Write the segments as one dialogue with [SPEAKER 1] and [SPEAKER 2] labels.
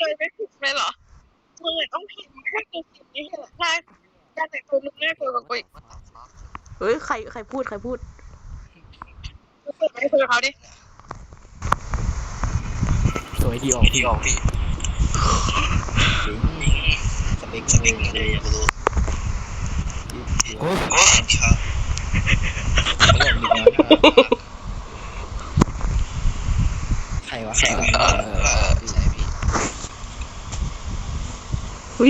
[SPEAKER 1] ยไม่ผิดไหมเหรอมึงต้องผิดแค่กูผิดนี่แหละใช่การแต่งตัวมึงน่ากลัวกว่ากูอีก
[SPEAKER 2] เฮ้ยใครพูด
[SPEAKER 1] มึงเปิดไมค์คุยกับเขาดิ
[SPEAKER 3] สวยดีออกพี่สเปคเลยอยากรู้โอ้ครับเขาบอกดีนะใครวะใช่พี่
[SPEAKER 2] เฮ้ย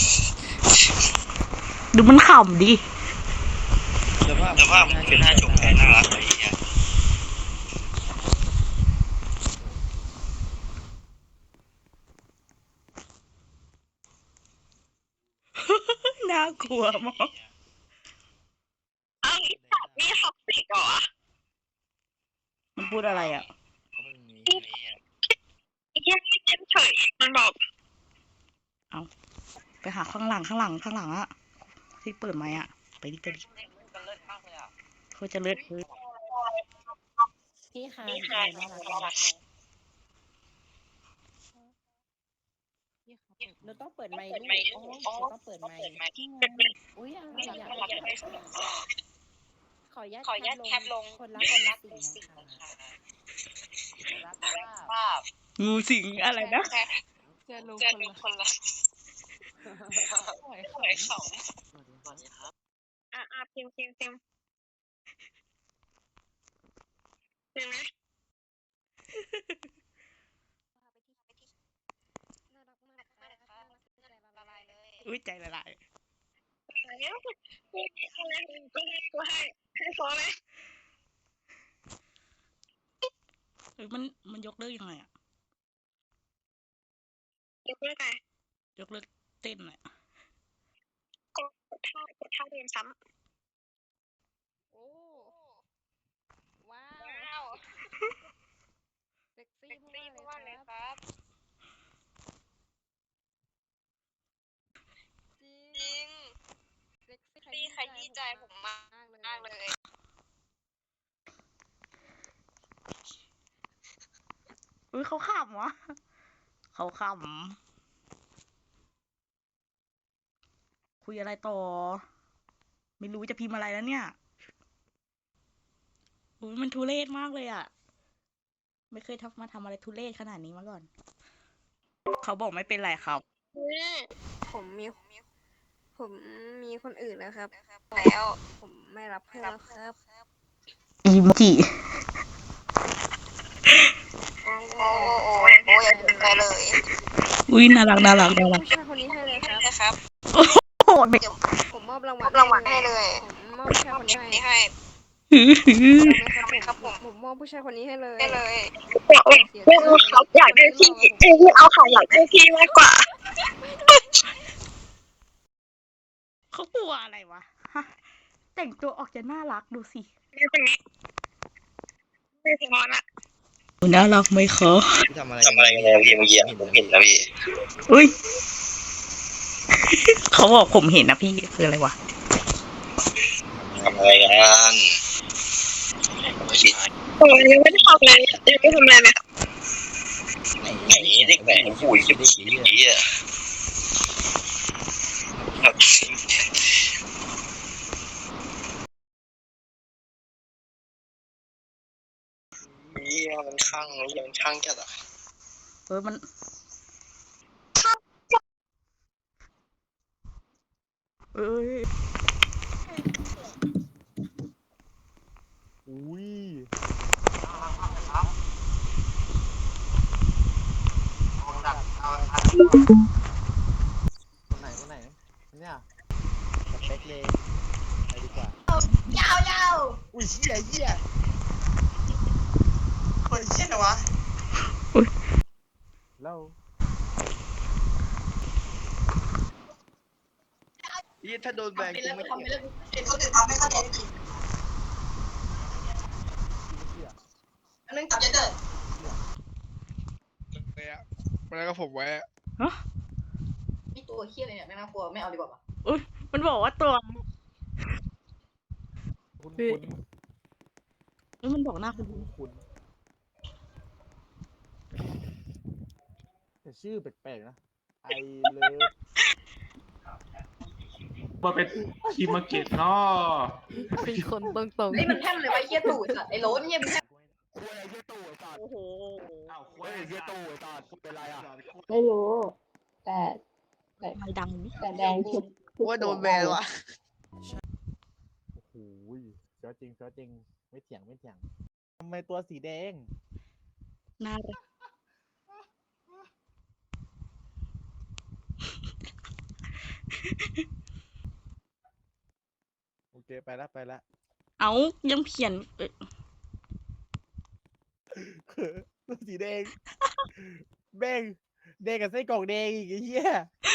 [SPEAKER 2] ดูมันขำดิ
[SPEAKER 3] แต่ว่ามันเป็นหน้าจงใจน่ารักอะไรอย่างเงี้ย
[SPEAKER 2] น่ากลัวมาก
[SPEAKER 1] อ้าวนี่ท็อกซิกเหรอ
[SPEAKER 2] มันพูดอะไรอ่ะ
[SPEAKER 1] ไอ้แค่ไม่เฉยมันบอก
[SPEAKER 2] เอาไปหาข้างหลังอ่ะที่เปิดไมค์อ่ะไปดิเขาจะเลิศ
[SPEAKER 4] พี่ค่ะน่ารักเราต้องเปิดไมค์ด้วยเราต้องเปิดไมค์อุ้ยอะไรอยากขออนุญาตแคปลงคนรักสิ่งนะคะรับภาพ
[SPEAKER 2] งูสิงอะไรนะ
[SPEAKER 4] เจอลุงคนละ
[SPEAKER 1] หอยเขาพิมพ์เห็นไหม
[SPEAKER 2] อุ้ยใจละลาย
[SPEAKER 1] แล้วกูอะไรกูให้ฟอไหม
[SPEAKER 2] มันยกเลิกยังไงอ่ะ
[SPEAKER 1] ยกเลิกไง
[SPEAKER 2] ยกเลิกเต้นอ่ะ
[SPEAKER 1] กดท่าเดินซ้
[SPEAKER 4] ำโอ้ว้าวเซ็กซี่มากเลยครับจริงเซ็กซี่ขยี้ใจผมมากเลย
[SPEAKER 2] อุ้ยเขาขำวะเขาขำคุยอะไรต่อไม่รู้จะพิมพ์อะไรแล้วเนี่ยอุ้ยมันทุเรศมากเลยอ่ะไม่เคยมาทำอะไรทุเรศขนาดนี้มาก่อนเขาบอกไม่เป็นไรครับ
[SPEAKER 4] ผมมีคนอื่นแล้วครับแล้วผมไม่รับเพื่อนแล้วครับ
[SPEAKER 2] อีโมจิ
[SPEAKER 1] โอ้ยไปเลย
[SPEAKER 2] อุ้ยน่ารัก
[SPEAKER 4] ผู้ชายคนนี้ให้เลยครับ
[SPEAKER 2] โอ้โห
[SPEAKER 4] ผมมอบรางวัลให้เลยผมมอบผู้ชายคนนี้ให้ครับผมมอบผู้ชายคนนี้ให้เลย
[SPEAKER 1] เขาอยากได้พี่เอาเขาอยากได้พี่มากกว่า
[SPEAKER 2] เขากลัวอะไรวะแต่งตัวออกจะน่ารักดูสิ
[SPEAKER 1] ไม่พอนะ
[SPEAKER 2] น่ารักไหมคะ
[SPEAKER 3] ทำอะไรกันเนี่ยพี่เมื่อกี้ผมเห็นนะพี่
[SPEAKER 2] อุ้ยเขาบอกผมเห็นนะพี่คืออะไรวะ
[SPEAKER 3] ทำอะไรกัน
[SPEAKER 1] ยังไม่ได้ทำอะไรไหม
[SPEAKER 3] ไหนเด็กไหนผู้หญิงผีอ่ะมันช่างจัดอ่ะ
[SPEAKER 2] มัน
[SPEAKER 5] อุ้ยคนไหนเนี่ยสเปคเลยไปดีกว่ายาวอุ้ยเหี้ย
[SPEAKER 1] คนเช่นวะ
[SPEAKER 5] แล้ว
[SPEAKER 3] ยี่ถ้าโดนแบนกูไม่เก็บ
[SPEAKER 1] คนอื่นทำไม่เข้าใจจริงอันนึงจับเดิน
[SPEAKER 5] เลยอะมาแล้วก็ผมไว้
[SPEAKER 1] นี่ตัวเคี้ยอะไรเนี่ยไม่น่ากลัวไม่เอาดีกว่า
[SPEAKER 2] อุ้ยมันบอกว่าตัวมันบอกหน้าคุณ
[SPEAKER 5] คุณชื่อแปลกๆนะไอเลิฟ
[SPEAKER 6] มาเป็นทีมมาเก็ตเนาะ
[SPEAKER 4] เป็นคนตรง
[SPEAKER 7] นี่มันแท่งเลยไว้เหี้ยตู่สัตว์ไอ้โหลนี่มันแท่ง
[SPEAKER 1] โอ้โห
[SPEAKER 6] อ้าวควาย
[SPEAKER 5] เฮียตู่ไอ้ตาเป็นไรอ่ะ
[SPEAKER 7] ไม่รู้ แต่
[SPEAKER 2] ไม่ดังนี่
[SPEAKER 7] แต่แดงชุด
[SPEAKER 1] ว่าโดนแบนวะ
[SPEAKER 5] โอ้โหเสือจริงไม่เถียงทำไมตัวสีแดง
[SPEAKER 2] น่ารัก
[SPEAKER 5] โอเคไปละ
[SPEAKER 2] เอายังเขียน
[SPEAKER 5] ตัวสีแดงแบ่งแดงกับไส้กรอกแดงอีกไอ้เหี้ย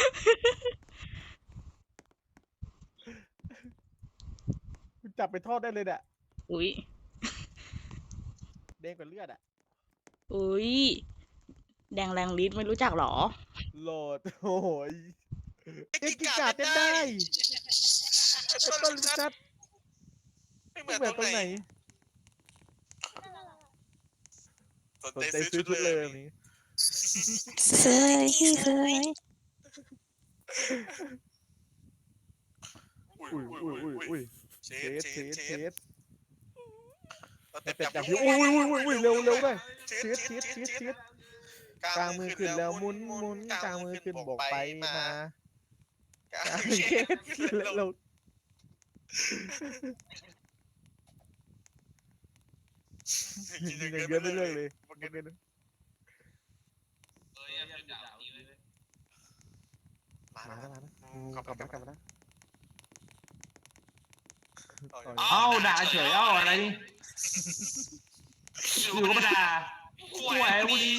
[SPEAKER 5] จับไปทอดได้เลยน่ะ
[SPEAKER 2] อุ้ย
[SPEAKER 5] แดงกว่าเลือดอ่ะ
[SPEAKER 2] อุ้ยแดงแรงฤทธิ์ไม่รู้จักหรอ
[SPEAKER 5] โหลดโอ้ยกิกาเต้นได้ไอ้ต้นชัดไม่เหมือนตรงไหนสนใจซื้อชุดเลยแบบนี้
[SPEAKER 4] ๆซื้อพี่ซื้อไหม
[SPEAKER 5] อุ้ยเชสแต่
[SPEAKER 3] แต่
[SPEAKER 5] จั
[SPEAKER 3] จั
[SPEAKER 5] บบ พี่อุ้ยเร็วด้วยเชสกลางมือขึ้นแล้วหมุนกลางมือขึ้นบอกไปมาก
[SPEAKER 3] ลาง
[SPEAKER 5] เชสขึ้นแล้วยิงเยอะเรื่อยเลยมาแล้วกลับมาแล้ว
[SPEAKER 6] เอ้าด่าเฉยเอ้าอะไรนี่อยู่ก็มาด่าควายกูดี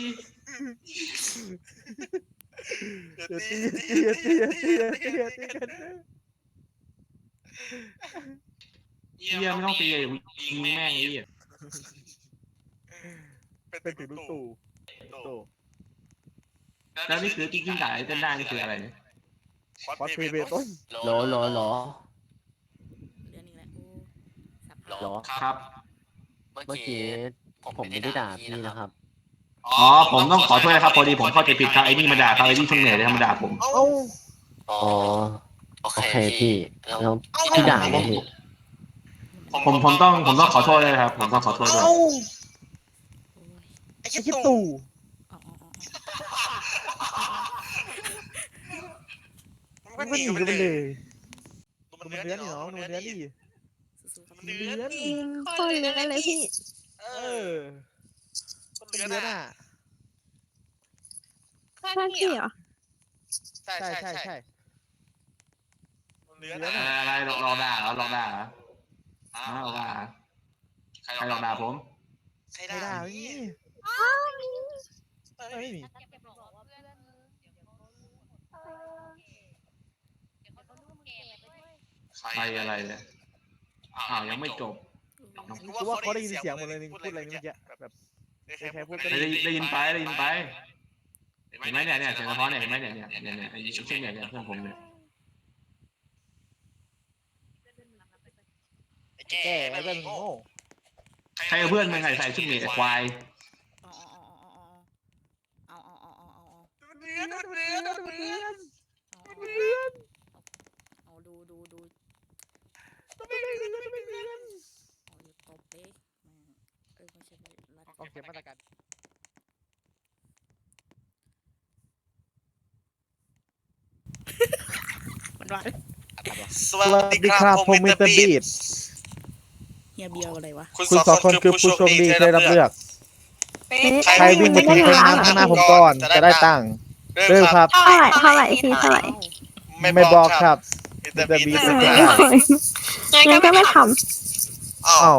[SPEAKER 5] ตีกัน
[SPEAKER 6] เยี่ยไม่ต้องตีเลยยิงแม่งไอ้เหี้ย
[SPEAKER 5] เป็นถึงลูกตู่
[SPEAKER 6] แล้วนี่คือจริงๆด่าไอ้เต้นได้นี่คืออะไรเนี่ย
[SPEAKER 5] ฟอสเพเบต้น
[SPEAKER 8] หรอ
[SPEAKER 2] เรื่องนี้แหละโอ้สับ
[SPEAKER 8] หรอ
[SPEAKER 6] ครับ
[SPEAKER 8] เมื่อกี้ผมไม่ได้ด่าพี่นะครับ
[SPEAKER 6] อ๋อผมต้องขอโทษนะครับพอดีผมเข้าใจผิดครับไอ้นี่มาด่าเขาไอ้นี่ช่างเหนื่อยเลยธรรมดาผม
[SPEAKER 5] เอ้า
[SPEAKER 8] อ๋อ โอเคพี่ แล้วพี่ด่าไหมพี่
[SPEAKER 6] ผมต้องขอโทษเลยครับผมต้องขอโทษด้วย
[SPEAKER 5] ไอ้คิดตู่
[SPEAKER 2] อ๋อ
[SPEAKER 5] มันก็หนีกันไปเลยมันเนื้อนี่เนาะมันเนื้อนี่
[SPEAKER 2] สู้ๆครับ
[SPEAKER 5] มันเนื้อนี่
[SPEAKER 4] คนเลี้ยงเลยพี่
[SPEAKER 5] มันเนื้อน่ะ
[SPEAKER 4] ใช่พี่เหรอ
[SPEAKER 5] ใช่เนื้อน่ะ
[SPEAKER 6] อะไรลองด่าเหรอลองด่าเหรออ้าวลองด่าเหรอใครลองด่าผม
[SPEAKER 5] ไม่ได้ไม่มีไม่มี
[SPEAKER 6] ใครอะไรเนี่ยอ้าวยังไม่จบ
[SPEAKER 5] กูว่าเขาได้ยินเสียงหมดเลยพูดอะไรนี่เมื่อกี้แบบใครพูดก็
[SPEAKER 6] ได้ยินไปเห็นไหมเนี่ยเสียงสะท้อนเนี่ยเห็นไหมเนี่ยไอ้เช่นเนี่ยเพื่อนผมเนี่ย
[SPEAKER 5] แก่แล้วก็โง่
[SPEAKER 6] ใครเอาเพื่อนมึงใส่ชุดหมีไอ้ควาย
[SPEAKER 2] อ๋อเอา
[SPEAKER 5] เนื้อ
[SPEAKER 2] เอาดูอ๋ออยู่ตบเป๊กไม่ใช่ระดับ
[SPEAKER 5] ต้องเก็บมาตรการ
[SPEAKER 2] มันว่า
[SPEAKER 3] สวัสดีครับผมมิสเตอร์บีท
[SPEAKER 2] เฮียเบียร์อะไรวะ
[SPEAKER 3] คุณสองคนคือผู้โชคดีที่ได้รับเลือก ใครวิ่งไปถึงห้องน้ำข้างหน้าผมก่อนจะได้ตังค์เริ่มครับ
[SPEAKER 4] เท่าไหร่พี่เท่าไหร่
[SPEAKER 3] ไม่บอกครับมิสเตอร์บีทเป็นใคร
[SPEAKER 4] งั้นก็ไม่ท
[SPEAKER 3] อ้าว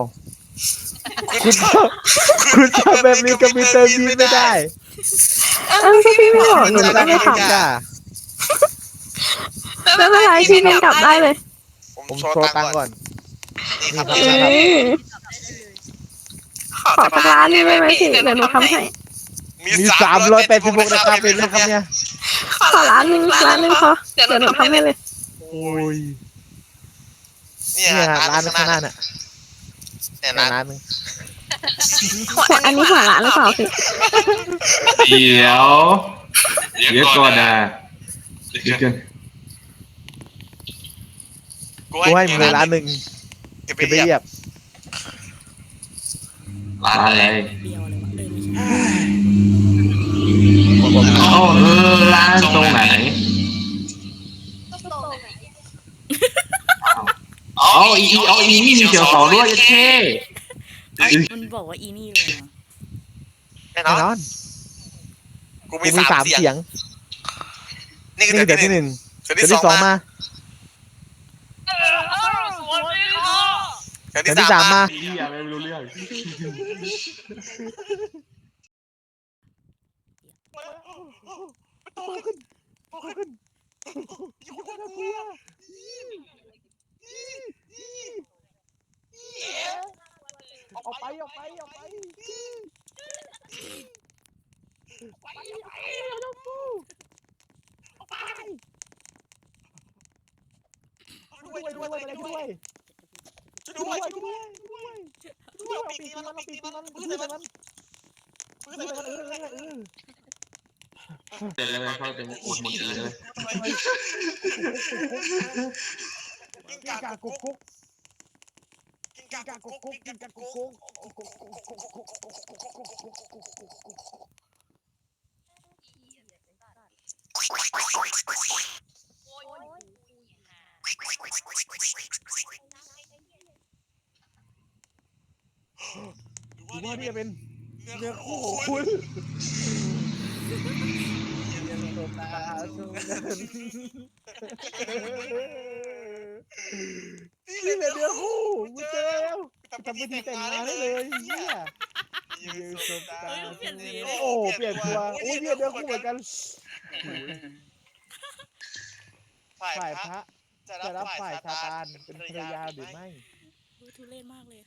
[SPEAKER 5] คุณทำแบบนี้กับมิสเตอร์บีไม่ได้
[SPEAKER 4] ำก็พี่ไม่บอกหนูก็ไม่ทำ
[SPEAKER 5] จ้า
[SPEAKER 4] ไม่เป็นไรพี่เป็นกลับได้เลย
[SPEAKER 3] ผม
[SPEAKER 5] โช
[SPEAKER 3] โช
[SPEAKER 5] ว์
[SPEAKER 3] ว์
[SPEAKER 5] ตั
[SPEAKER 3] ตั
[SPEAKER 5] ง
[SPEAKER 3] ง
[SPEAKER 5] ค์
[SPEAKER 3] ค์
[SPEAKER 5] ก่
[SPEAKER 3] ก่
[SPEAKER 5] อ
[SPEAKER 3] อน น
[SPEAKER 5] นี่ครับ
[SPEAKER 4] ขอสักร้านหนึงได้ไหมพี่เดี๋ยวหนูทำให้
[SPEAKER 5] มี386นะครับเป็นเลยครับเนี่ย
[SPEAKER 4] ขอร้านหนึงพอเดี๋ยวหนูทำให้เลย
[SPEAKER 5] โอ้ย
[SPEAKER 3] เนี่
[SPEAKER 5] เนี่ย
[SPEAKER 3] ย
[SPEAKER 5] ร้านข้างหน้าน่ะ
[SPEAKER 3] เนี่ย
[SPEAKER 5] ร้านนึง
[SPEAKER 4] อันนี้หัวร้านหรือเปล่าพี่
[SPEAKER 6] เดี๋ยวเดี๋ยวก่อนนะเดี๋ยวก่อน
[SPEAKER 5] กูให้มึงเลย1,000,000เก็บไปเรียบ
[SPEAKER 6] ร้านอะไร
[SPEAKER 2] เบียวเลยวะไม่ใช่
[SPEAKER 6] อ๋อร้านตรงไหนอ๋ออีนี่มีเขียวสองด้วยเท่
[SPEAKER 2] มันบอกว่าอีนี่เลยนะ
[SPEAKER 5] แน่นอนกูมี3 เสียงนี่คือเสียงที่ 1เสียงที่ 2มาเสียงที่ 3มา
[SPEAKER 6] พี่ไม่รู้เรื่อง
[SPEAKER 5] โตขึ้นอยู่คนละตัวออกไปเราฟูออกไปด้วยปีกตีมันปืนมัน
[SPEAKER 6] เดี๋ยวเขาจะอุดหมดเลย
[SPEAKER 5] กินกากกุ๊กดูว่านี่จะเป็นเนื้อคู่ของคุณนี่เป็นเนื้อคู่กูเจอแล้วทำพิธีแต่งงานได้เลยเนี่ยโอ้เปลี่ยนตัวโอ้ยเนื้อคู่เหมือนกันฝ่ายพระจะรับฝ่ายซาตานเป็นภรรยาหรือไม่
[SPEAKER 2] ทุเรศมากเลย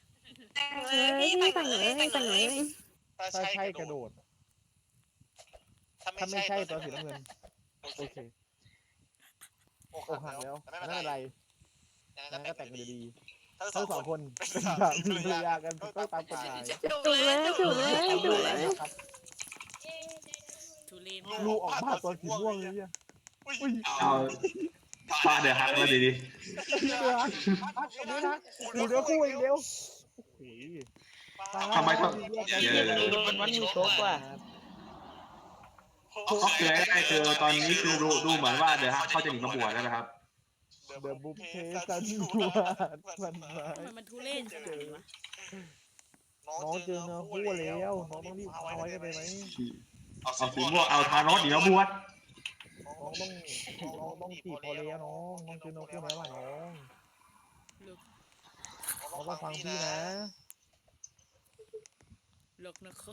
[SPEAKER 5] ถ้าใช่กระโดดถ้าไม่ใช่ตัวสีน้ำเงินโอเคอกหักแล้วไม่เป็นไรงั้นก็แต่งกันดีทั้ง2 คนเป็นสามีภรรยากันก็ตามกฎหมาย
[SPEAKER 2] ทุเรศ
[SPEAKER 5] ลูกออกมาตัวสีม่วงเลยเนี่ย
[SPEAKER 6] เอาฟาเดี๋ยวฮักแล้วดี
[SPEAKER 5] ดูเนื้อคู่อีกเดียว
[SPEAKER 6] ทำไมต้อง
[SPEAKER 2] มันมีโชคว่ะ
[SPEAKER 6] เขาเกลือได้คือตอนนี้คือดูเหมือนว่าเดี๋ยวฮักเขาจะหนีมาบวชแล้วนะครับ
[SPEAKER 5] เดอะบุฟเฟ่ซันยูมันมา
[SPEAKER 2] ทำไมมันทุเรศขนาดนี้วะ
[SPEAKER 5] น้องเจอเนื้อคู่แล้วน้องต้องรีบเอาไว้กันไปไหม
[SPEAKER 6] เอาสีม่วงเอาทานอสหนีมาบวช
[SPEAKER 5] น้องต้องจีบพอแล้วน้องเจอเนื้อคู่แล้วว่ะน้องต้องฟังพี่นะ
[SPEAKER 2] เลิกนะครับ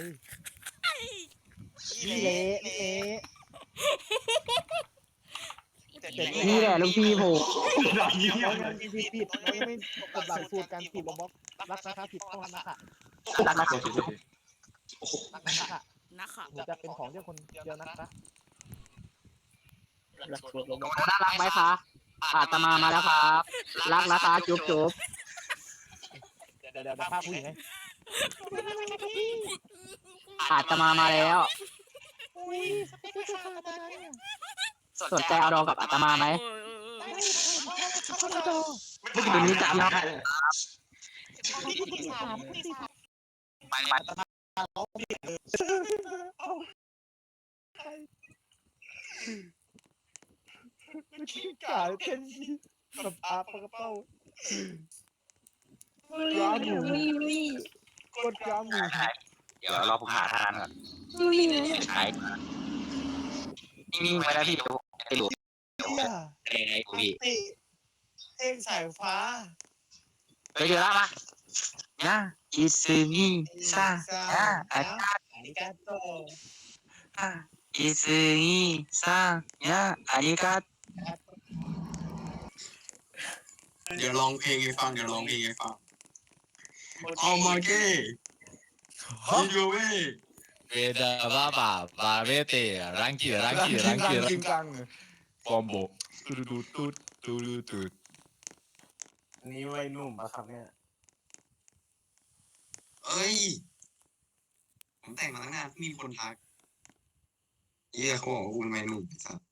[SPEAKER 5] พี่เละ
[SPEAKER 8] นี่แหละลูกพี่ผม
[SPEAKER 5] ผิดไม่กดหลักสูตรการจีบลงบล็อกรักนะคะผิดข้อนะคะ
[SPEAKER 8] รักนะ
[SPEAKER 5] นะคะ
[SPEAKER 2] นะคะ
[SPEAKER 5] หนูจะเป็นของเจ้าคนเดียวนะคะ
[SPEAKER 8] น่ารักไหมคะอาตมามาแล้วครับรักนะคะจุ๊บ
[SPEAKER 5] เดี๋ยวภาพผู้หญิงไง
[SPEAKER 8] อาตมามาแล้วสนใจเอาดองกับอาตมาไหมตัวนี้จะเอา
[SPEAKER 5] กาเต้นกับอาปกระเป๋ากราหมูกดกราหมู
[SPEAKER 8] เดี๋ยวรอผมหาทางก่อนใช่นิ่งๆไว้แล้วพี่ไอ้หลุดไอ้พี่
[SPEAKER 5] เองสายฟ้า
[SPEAKER 8] ไปเจอแล้วมานะอิซึมิซาอา
[SPEAKER 5] ริกาโต
[SPEAKER 8] อิซึมิซาอาริกา
[SPEAKER 3] เดี๋ยวร้องเพลงให้ฟังเอามาเก้ฮิโยเว
[SPEAKER 9] Beda baba, babete, ranki,
[SPEAKER 5] จริงจัง
[SPEAKER 9] combo, turutut.
[SPEAKER 5] นี่วัยหนุ่มอะครับเนี่ย
[SPEAKER 3] เอ้ยผมแต่งมาตั้งนานมีคนทักเหี้ยเขาบอกว่ากูเป็นแมงมุมสัตว์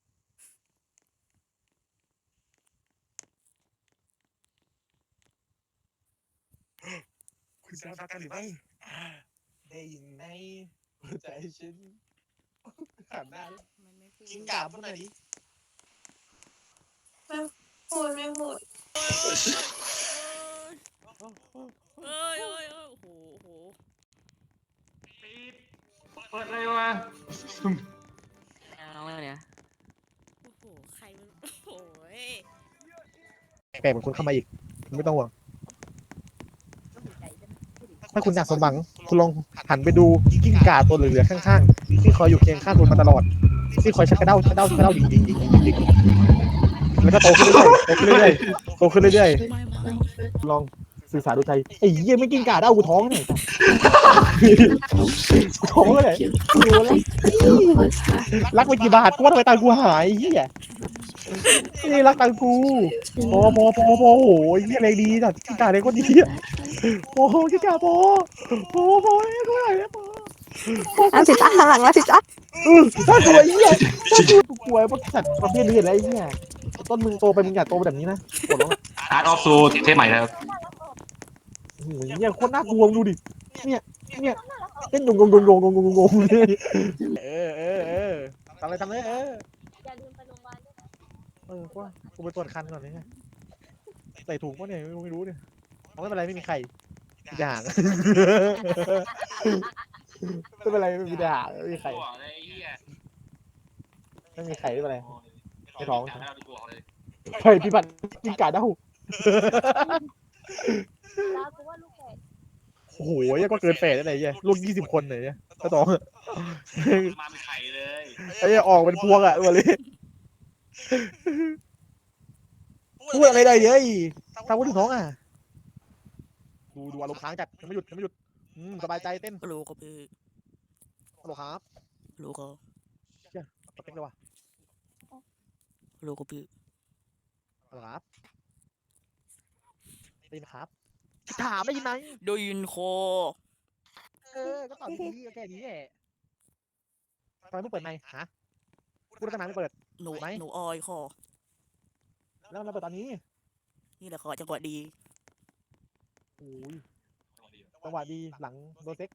[SPEAKER 5] คุณจะรักกันหรือไม่ได้ยินไหมหัวใจฉันขันได้
[SPEAKER 2] มันไม่พูด
[SPEAKER 5] กินกาบพูดหน่อยดิ
[SPEAKER 4] พูดไม่พูด
[SPEAKER 2] เอ้ยโอ้โห
[SPEAKER 6] เปิดเลยวะ
[SPEAKER 2] โอ้โหใครมันโอ้ย
[SPEAKER 5] แปลกเหมือนคนเข้ามาอีกไม่ต้องห่วงถ้าคุณอยากสมหวังคุณลองหันไปดูกิ้งก่าตัวเหลือๆข้างๆที่คอยอยู่เคียงข้างคุณมาตลอดที่คอยชักกระเด้ายิงแล้วก็โตขึ้นเรื่อยๆโตขึ้นเรื่อยๆลองสื่อสารดูใจไอ้เหี้ยไม่กิ้งก่าเด้ากูท้องเนี่ยกูท้องเลยรักไปกี่บาทกูว่าทำไมตังกูหายเหี้ยนี่รักตังกูพอโอ้ยเหี้ยอะไรดีจัดกิ้งก่าอะไรก็ดีอ่ะโอ้โหกิ้งก่าพอกูไหนเนี่ยพอ
[SPEAKER 4] สิจ้าหลังแล้วสิจ้า
[SPEAKER 5] ถ้ากลัวไอ้เหี้ยถ้ากลัวพวกสัตว์ประเภทนี้อะไรไอ้เหี้ยต้นมึงโตไปมึงอย่าโตแบบนี้นะปวดร้อง
[SPEAKER 6] อาร์ตออฟซูเทปใหม่แล้ว
[SPEAKER 5] โอ้โหเหี้ยโคตรน่ากลัวดูดิเนี่ยเต้นงงทำเลย
[SPEAKER 7] อย่าลืมไปโรงพยาบาลด้วยนะ
[SPEAKER 5] ว่ากูไปตรวจคันก่อนเนี่ยใส่ถุงป่ะเนี่ยไม่รู้เนี่ยไม่เป็นไรไม่มีไข่ด่างไม่เป็นไรไม่มีด่างไม่มีไข่ไม่มีไข่ไม่เป็นไรไม่ท้องไข่พี่บัตรกินกาเด้า
[SPEAKER 7] แล้วกูว่าลูกแฝด
[SPEAKER 5] โอ้โหยังก็เกินแปดได้ไหนเนี่ยลูก20 คนเลยเนี่ยก็ต้อง
[SPEAKER 6] มาเป็นไข่เลย
[SPEAKER 5] ไอ้ออกเป็นพวงอ่ะตัวเลยพูดอะไรได้เยอะทำพูดถึงท้องอ่ะดูอารมณ์ค้างจัดยังไม่หยุดสบายใจเต้น
[SPEAKER 2] รู้ก็พี่
[SPEAKER 5] ฮัลโหลครับ
[SPEAKER 2] รู้ก็
[SPEAKER 5] สเต็กเลยว่ะ
[SPEAKER 2] รู้ก็พี่
[SPEAKER 5] ฮัลโหลครับได้ยินครับถามได้ยินไหม
[SPEAKER 2] ได้ยินคอ
[SPEAKER 5] ก็ตอบดีแค่นี้แหละทำไมไม่เปิดไมค์ฮะพูดตั้งนานไม่เปิด
[SPEAKER 2] หนู
[SPEAKER 5] ไหม
[SPEAKER 2] หนูออยคอ
[SPEAKER 5] แล้วมาเปิดตอนนี้
[SPEAKER 2] นี่แหละคอจังหวะดี
[SPEAKER 5] โอ้ยจังหวะดีหลังโดนเซ็ก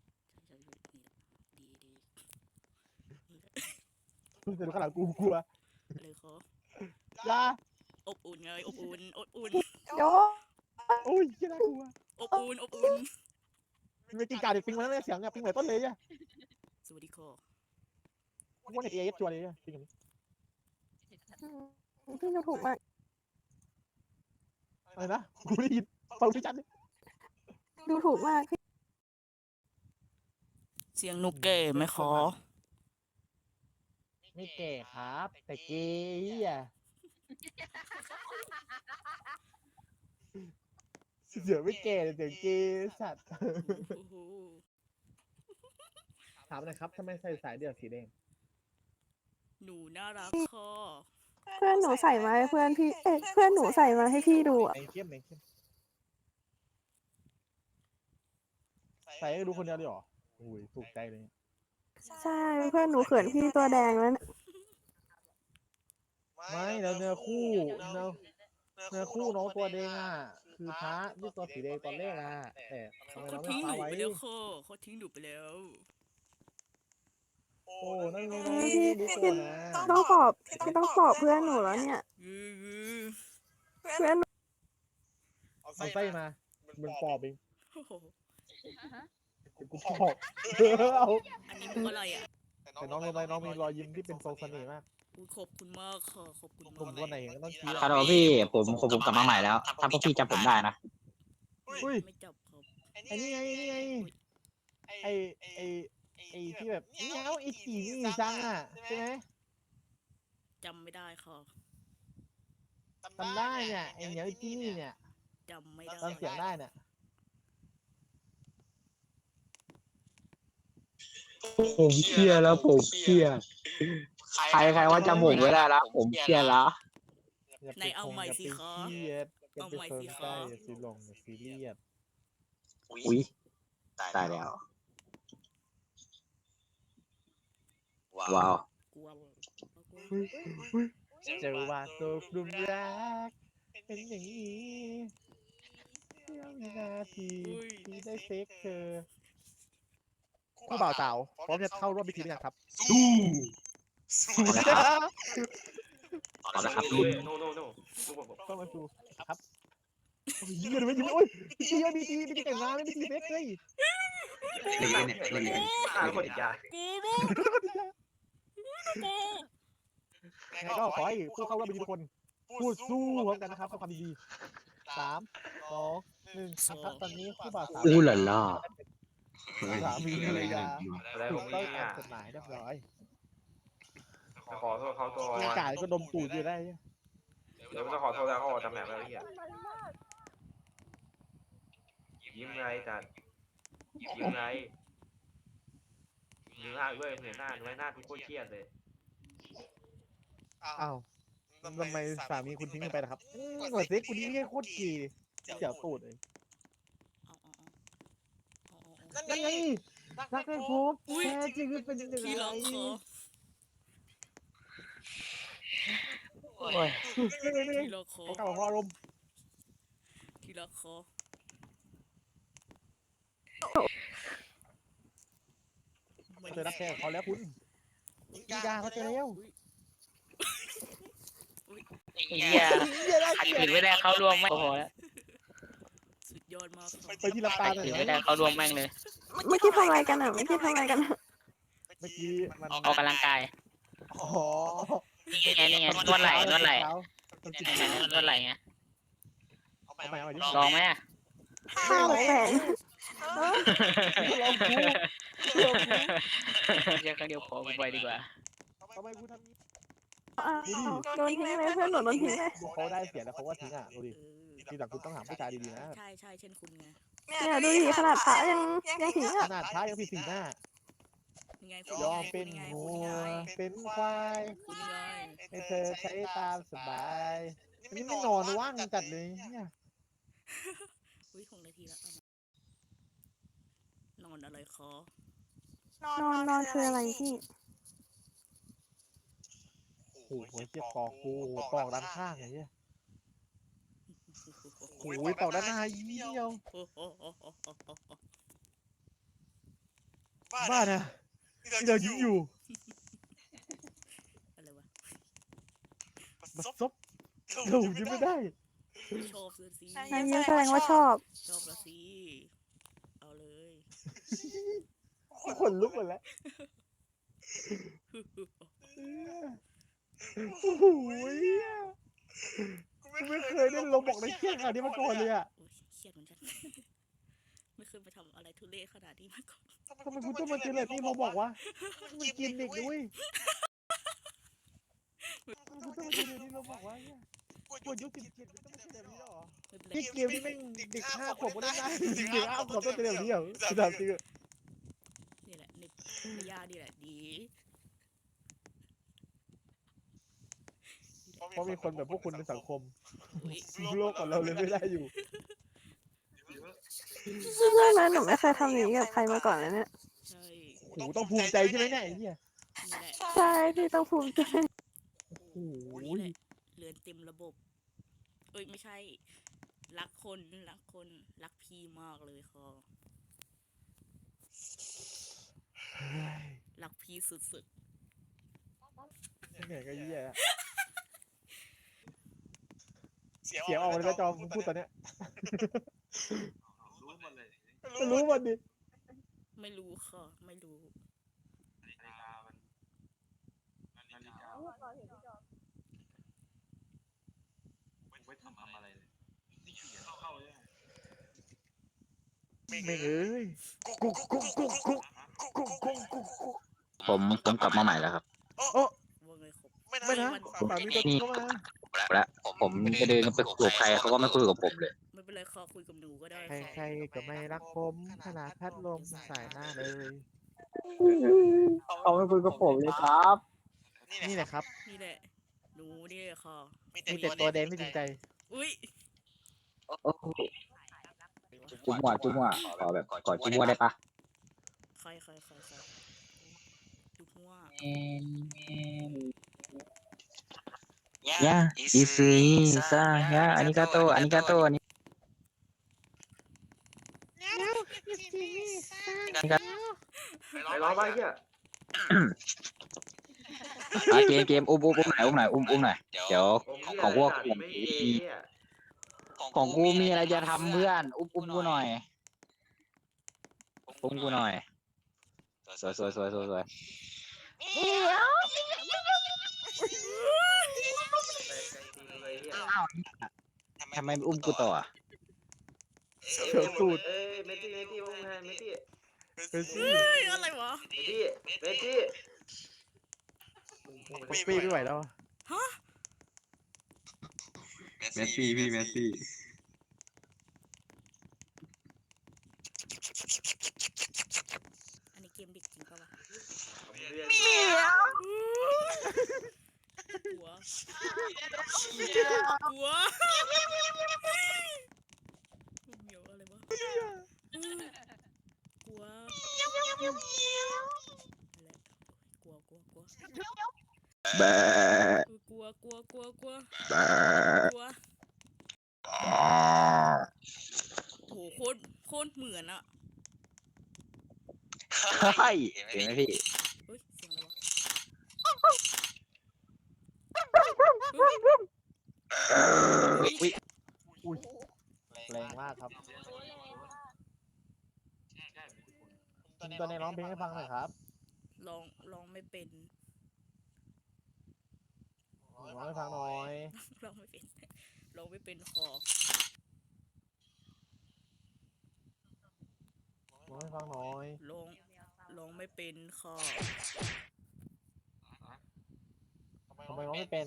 [SPEAKER 2] ดี
[SPEAKER 5] จะดูข้างหลังกูกลัว
[SPEAKER 2] เลยคอ
[SPEAKER 5] อยา
[SPEAKER 2] อบอุ่นไงอบอุ่น
[SPEAKER 4] โย
[SPEAKER 5] โอ้ยน่ากลัว
[SPEAKER 2] อบอุ่น
[SPEAKER 5] ไม่กินกาเด็กปิงมาแล้วเนี่ยเสียงเนี่ยปิงเหมือนต้นเลยอ่ะ
[SPEAKER 2] สวัสดีคอ
[SPEAKER 5] พวกเน็ตเอฟชัวร์เลยอ่ะปิงแบบนี้
[SPEAKER 4] พี่ดูถูกมาก
[SPEAKER 5] อะไรนะกูได้ยินฟังพี่จัน
[SPEAKER 4] ดูถูกมากพี่
[SPEAKER 2] เสียงหนูเก๋ไหมคอ
[SPEAKER 5] ไม่แก่ครับ แต่เกย์อ่ะเสียงไม่แก่แต่เสียงเกย์สัตว์ถามหน่อยครับทำไมใส่สายเดี่ยวสีแดง
[SPEAKER 2] หนูน่ารักคอ
[SPEAKER 4] เพื่อนหนูใส่มาให้เพื่อนพี่เพื่อนหนูใส่มาให้พี่ดูอ่ะ
[SPEAKER 5] แดงเข้มใส่ให้ดูคนเดียวเลยเหรอโอ้ยถูกใจเลย
[SPEAKER 4] ใช่เพื่อนหนูเขินพี่ตัวแดงแล้วนะ
[SPEAKER 5] ไม่แล้วเนื้อคู่น้องตัวแดงอ่ะคือพระที่ตัวสีแดงตอนแรกอ่ะแต่ทำไม
[SPEAKER 2] เขา
[SPEAKER 5] เราไม่
[SPEAKER 2] ทิ้งห
[SPEAKER 5] ฟ้า
[SPEAKER 2] นู
[SPEAKER 5] ไว้
[SPEAKER 2] ไปแล้วคอเขาทิ้งหนูไปแล้ว
[SPEAKER 5] โอ้นั่นไงน้องดูก่อนนะ
[SPEAKER 4] ต้องปอบพี่ต้องปอบเพื่อนหนูแล้วเนี่ย เพื่อน
[SPEAKER 5] เอาไส้มามึงปอบเอง
[SPEAKER 2] โอ้โห
[SPEAKER 5] กูปอบเอา
[SPEAKER 2] อันนี้มุกอะไรอ่ะ
[SPEAKER 5] แต่น้องมีรอยยิ้มที่เป็นทรงเสน่ห์มาก
[SPEAKER 2] อุ๊ยขอบคุณมากค่ะขอบคุณ
[SPEAKER 5] ผม
[SPEAKER 2] มาก
[SPEAKER 5] วันไหนก็ต้องคิด
[SPEAKER 8] ฮัลโหลพี่ผมกลับมาใหม่แล้วถ้าพวกพี่จำผมได้นะ
[SPEAKER 5] อุ้ย
[SPEAKER 2] ไม่จับครับ
[SPEAKER 5] ไอ้นี่ไงไอ้ที่แบบเงี้ยวไอ้จีนี่จังอ่ะใช่ไหม
[SPEAKER 2] จำไม่ได้ค่ะ
[SPEAKER 5] จำได้เนี่ยไอ้เหนียวไอ้จีนี่เนี่ย
[SPEAKER 2] จำไม่ได้
[SPEAKER 5] จำเสียงได้เนี่ย
[SPEAKER 8] ผมเครียดแล้วผมเครียดใครว่าจำผมไม่ได้แล้วผมเครียดแล้ว
[SPEAKER 2] ไหนเอาใหม่สิคะ
[SPEAKER 5] เอาใหม่สิคะอย่าซีลงอย่าซีเรียส
[SPEAKER 8] อุ้ยตายแล้วว้าว
[SPEAKER 5] เจอว่าตัวกลุ่มรักเป็นอย่างนี้เสี้ยววินาทีที่ได้เซ็กเธอคู่บ่าวสาวพร้อมจะเข้าร่วมพิธีหรือยังครับ
[SPEAKER 8] เอาละครับเอาละครับลุง
[SPEAKER 5] เข้ามาดูครับเฮียดูไม่ยิ้มโอ้ยเฮียมีทีแต่งงานไม่มีทีเซ็กเลย
[SPEAKER 8] เล่นเนี่ยเล่นเนี่ย
[SPEAKER 3] คนยา
[SPEAKER 5] ไงก็ขอให้ผู้เข้าร่วมพิธีทุกคนพูดสู้พร้อมกันนะครับเพื่อความดี3 2 1ครับตอนนี้คู่บ่าวสาว
[SPEAKER 8] อู้หล่ะล่ะ
[SPEAKER 5] สามีภรรยา
[SPEAKER 3] อะไร
[SPEAKER 5] ถู
[SPEAKER 3] ข
[SPEAKER 5] ก
[SPEAKER 3] อง
[SPEAKER 5] ต้อง
[SPEAKER 3] นี่
[SPEAKER 5] ตาม
[SPEAKER 3] อ่ะ
[SPEAKER 5] กฎหมายเรียบร้อย
[SPEAKER 3] ขอโทษเขาตัว
[SPEAKER 5] ร่างกายก็ดมตูดอยู่ได้
[SPEAKER 3] เดี๋ยวจะขอโทษแล้วเขาออกจากแมปแล้วพี่ยิ้มไงจัดยิ้มไงยิ้มหน้าด้วยเหนื่อยหน้าทุกคนเครียดเลย
[SPEAKER 5] อ้าวทำไมสามีคุณทิ้งไปล่ะครับหน่วยเซ็กคุณนี่ไม่ใช่โคตรกีเจียวตูดเลยนั่นไงรักให้พบแท้จริงเป็นยังไง
[SPEAKER 2] พี่ล็อกคอ พี่ล็อกคอ
[SPEAKER 5] เขากลับมาพออารมณ์
[SPEAKER 2] พี่ล็อกคอ
[SPEAKER 5] เจอรับแขกเขาแล้วคุณยิงยาเขาเจอแล้ว
[SPEAKER 2] เฮียขัดขืนไม่ได้เข้าร่วมไม่พอแล้วสุดยอดมาก
[SPEAKER 5] ไปที่ลำตาเลย
[SPEAKER 2] ไม่ได้เข้าร่วมแม่งเลย
[SPEAKER 4] เมื่อกี้ทำอะไรกันอ่ะเมื่อกี้ทำอะไรกัน
[SPEAKER 5] เมื่อกี้มัน
[SPEAKER 2] ออกกำลังกาย
[SPEAKER 5] อ๋อ
[SPEAKER 2] นี่ไงนวดไหล่นวดไหล่นวดไหล่ไง
[SPEAKER 5] เอาใหม่
[SPEAKER 2] ลองไหมอ่ะ
[SPEAKER 4] ข้าวแฝง
[SPEAKER 5] ลองกู
[SPEAKER 2] เดี๋ยวครั้งเดียวพอไปดีกว่า
[SPEAKER 5] ทำไมกูทำนี้
[SPEAKER 4] โดนทิ้งเลยเพื่อนหนูโดนทิ้งเลย
[SPEAKER 5] เขาได้เสียแล้วเขาก็ทิ้งอ่ะดูดิทีหลังคุณต้องหาผู้ชายดีๆนะ
[SPEAKER 2] ใช่เช่นคุณไง
[SPEAKER 4] เนี่ยดูดิขนาดพระยังทิ้ง
[SPEAKER 5] ข
[SPEAKER 4] อ่ะ
[SPEAKER 5] นาดท้ายังผิดสีหน้า
[SPEAKER 2] ยังไง
[SPEAKER 5] ยอมเป็นวัวเป็นควาย
[SPEAKER 2] คุณยังไง
[SPEAKER 5] ให้เธอใช้ตามสบายอันนี้ไม่นอนว่างจัดเลยเนี่ย
[SPEAKER 2] อุ้ย6 นาทีแล้วนอนอะไรคอน
[SPEAKER 4] อนคืออะไรพี่
[SPEAKER 5] โอ้โหเชี่ยปอกกูปอกด้านข้างไงเนี่ยโอ้ยปอกด้านหน้าอีเดียวบ้านะที่เรายิ้มอยู่
[SPEAKER 2] อะไรวะ
[SPEAKER 5] มาซบเรายิ้มไม่ได้
[SPEAKER 2] ชอบสิ
[SPEAKER 4] นายยิ้มแสดงว่าชอบ
[SPEAKER 2] ชอบละสิเอาเลย
[SPEAKER 5] ขนลุกหมดแล้วโอ้โหกูไม่เคยได้ลงบอกในเครียดขนาดนี้มาก่อนเลยอ่ะ
[SPEAKER 2] โอ้ยเครียดเหมือนกันไม่เคยไปทำอะไรทุเรศขนาดนี้มาก่อน
[SPEAKER 5] ทำไมคุณต้องมาเจอแบบนี้มาบอกว่ามันกินเด็กด้วยคุณต้องมาเจอแบบนี้มาบอกว่าเนี่ยกดยุค17มันต้องมาเจอแบบนี้หรอ
[SPEAKER 2] ไม่เป็นไร
[SPEAKER 5] พี่เกมนี่แม่งเด็ก5 ขวบก็ได้นะเด็ก5 ขวบต้องเจอแบบนี้เหรอถามจริง
[SPEAKER 2] นี่แหละในยานี่แหละดี
[SPEAKER 5] เพราะมีคนแบบพวกคุณในสังคม
[SPEAKER 2] อุ้ย
[SPEAKER 5] โลกของเราเลยไม่ได้อยู่
[SPEAKER 4] เรื่องนั้นหนูไม่เคยทำอย่างนี้กับใครมาก่อนเลยเนี่ย
[SPEAKER 2] ใช่
[SPEAKER 5] โหต้องภูมิใจใช่ไหมเนี่ยไอ้เหี้ย
[SPEAKER 2] นี่แหละ
[SPEAKER 4] ใช่พี่ต้องภูมิใจ
[SPEAKER 5] โอ้โห
[SPEAKER 2] นี่แหละเรือนเต็มระบบเอ้ยไม่ใช่รักพี่มากเลยคอรักพี่สุด
[SPEAKER 5] เหนื่อยก็เหี้ยอะเสียงออกมาเลยนะจอมพูดตอนเนี้ยรู้มันดิ
[SPEAKER 2] ๆไม่รู้ค่ะไม่รู้
[SPEAKER 5] ไม่เอ้ยกุ๊ก
[SPEAKER 8] ผมกลับมาใหม่แล้วครับ
[SPEAKER 2] ว่าไงครับ
[SPEAKER 5] ไม่นะสามีตัวนี้เข้ามา
[SPEAKER 8] แล้วผมจะเดินไปคุยกับใครเขาก็ไม่คุยกับผมเลย
[SPEAKER 2] ไม่เป็นไรค่ะคุยกับหนูก็ได้
[SPEAKER 5] ใคร
[SPEAKER 2] ค่ะ
[SPEAKER 5] ๆก็ไม่รักผมขนาดพัดลมสายหน้าเลย
[SPEAKER 8] เขาไม่คุยกับผมเลยครับ
[SPEAKER 5] นี่แหละครับ
[SPEAKER 2] นี่แหละหนูนี่แหละค่ะ
[SPEAKER 5] มีแต่ตัวแดงไม่จริงใจ
[SPEAKER 2] อุ้ย
[SPEAKER 8] จุ๊บมั่วขอแบบกอดจุ๊บมั่วได้ปะ
[SPEAKER 2] ใครดูหัว
[SPEAKER 8] ยาอิซึอิซายาอานิกาโตอานิกาโตอานิกา
[SPEAKER 5] ไปร้องไปเหี้ย
[SPEAKER 8] เกมอุ้มหน่อยหน่อยเดี๋ยวของพวกของกูมีอะไรจะทำเพื่อนอุ้มกูหน่อยอุ้มกูหน่อยสวยอ้าวทำไมไม่อุ้มกูต่อ
[SPEAKER 5] เสือสูด
[SPEAKER 3] เมตี้อุ้มแทนเมตี้
[SPEAKER 5] เป็นซี่
[SPEAKER 2] อะไรวะ
[SPEAKER 3] เมตี้
[SPEAKER 5] ปีไม่ไหวแล้ว
[SPEAKER 9] เมสซี่พี่เมสซี่
[SPEAKER 2] อันนี้เกมเด็กจริงปะวะกลัวเหมียวอะไรวะกลัว
[SPEAKER 8] แบะ
[SPEAKER 2] กลัวกลัวโหโคตรเหมือนอะ
[SPEAKER 8] เฮ้ยเห็นไหมพี่
[SPEAKER 2] เฮ้ยเสียงอะไรวะ
[SPEAKER 5] อุ้ยแรงมากครับคุณตอนนี้ร้องเพลงให้ฟังหน่อยครับ
[SPEAKER 2] ร้องไม่เป็น
[SPEAKER 5] ร้องให้ฟังหน่อย
[SPEAKER 2] ร้องไม่เป็นคอ
[SPEAKER 5] ร้องให้ฟังหน่อย
[SPEAKER 2] ร้องไม่เป็นคอ
[SPEAKER 5] ทำไมร้องไม่เป็น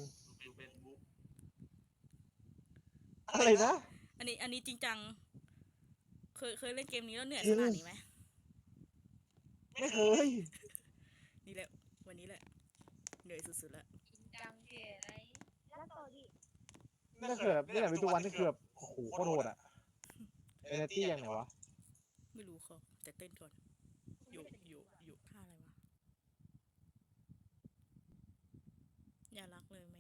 [SPEAKER 5] อะไรนะ
[SPEAKER 2] อันนี้จริงจังเคยเล่นเกมนี้แล้วเหนื่อยขนาดนี้ไหม
[SPEAKER 5] ไม่เคย
[SPEAKER 2] นี่แหละวันนี้แหละเหนื่อยสุดๆแล้ว
[SPEAKER 7] จังเก๋อะไรแล้วต่อดิ
[SPEAKER 5] นี่เกือบนี่แหละเป็นทุกวันนี่เกือบโอ้โหโคตรโหดอ่ะเอเนตี้ยังไงวะ
[SPEAKER 2] ไม่รู้เขาแต่เต้นก่อนอยู่ท่าอะไรวะอย่ารักเลยไหม